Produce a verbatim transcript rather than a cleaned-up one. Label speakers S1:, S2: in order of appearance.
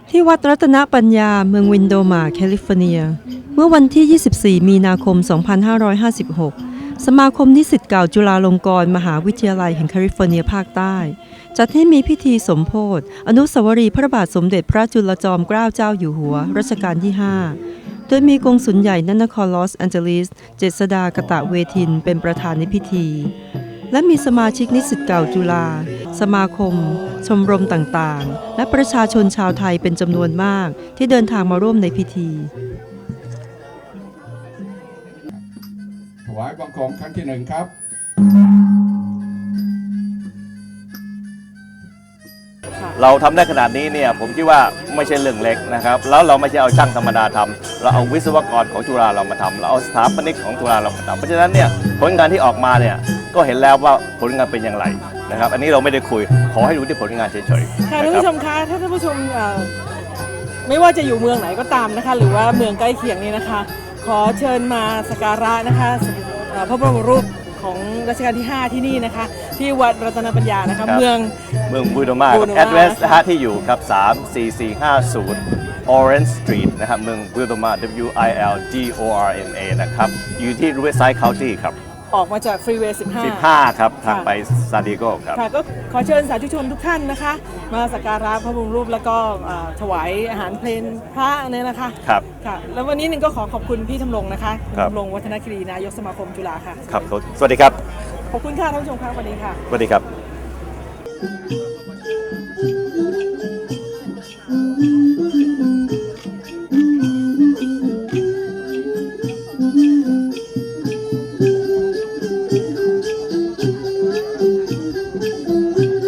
S1: ที่วัดรัตนปัญญาเมืองวินโดมาแคลิฟอร์เนียเมื่อวันที่ ยี่สิบสี่ มีนาคม สองพันห้าร้อยห้าสิบหก สมาคมนิสิตเก่าจุฬาลงกรณ์มหาวิทยาลัยแห่งแคลิฟอร์เนียภาคใต้จัดให้มีพิธีสมโภชอนุสาวรีย์พระบาทสมเด็จพระจุลจอมเกล้าเจ้าอยู่หัวรัชกาลที่ ห้า โดยมีกงสุลใหญ่ณนครลอสแอนเจลิสเจษฎากตะเวทินเป็นประธานในพิธีและมีสมาชิกนิสิตเก่าจุฬาสมาคมชมรมต่างๆและประชาชนชาวไทยเป็นจำนวนมากที่เดินทางมาร่วมในพิธี
S2: ถวายบังคมครั้งที่หนึ่งครับ
S3: เราทำได้ขนาดนี้เนี่ยผมคิดว่าไม่ใช่เรื่องเล็กนะครับแล้วเราไม่ใช่เอาช่างธรรมดาทำเราเอาวิศวกรของจุฬาเรามาทำเราเอาสถาปนิกของจุฬาเรามาทำเพราะฉะนั้นเนี่ยผลงานที่ออกมาเนี่ยก็เห็นแล้วว่าผลงานเป็นอย่างไรนะครับอันนี้เราไม่ได้คุยขอให้ดูที่ผลงานเฉยๆ
S4: ค่ะท่านผู้ชมคะถ้าท่านผู้ชมไม่ว่าจะอยู่เมืองไหนก็ตามนะคะหรือว่าเมืองใกล้เคียงนี้นะคะขอเชิญมาสักการะนะคะพระบรมรูปของรัชกาลที่ห้าที่นี่นะคะที่วัดรัตนปัญญานะคะเมือง
S3: เมืองบูโดมาแอดเวสนะฮะที่อยู่ครับสาม สี่ สี่ ห้า ศูนย์ Orange Street นะครับเมืองบูโดมา W I L D O R M A นะครับอยู่ที่ Riverside County ครับ
S4: ออกมาจากฟรีเวย์สิบห้า
S3: สิบห้าครับทางไปซานดิเอโกครับ
S4: ค่ะก็ขอเชิญสาธุชนทุกท่านนะคะมาสักการะพระบรมรูปแล้วก็ถวายอาหารเพลพระเนี่ยนะคะ
S3: ครับ
S4: ค่ะแล้ววันนี้หนึ่งก็ขอขอบคุณพี่ธำรงนะคะธำรงวัฒนคีรีนายกสมาคมจุฬาค่ะ
S3: ครับสวัสดีครับ
S4: ขอบคุณค่ะท่านผู้ชมครับสวัสดีค่ะ
S3: สวัสดีครับ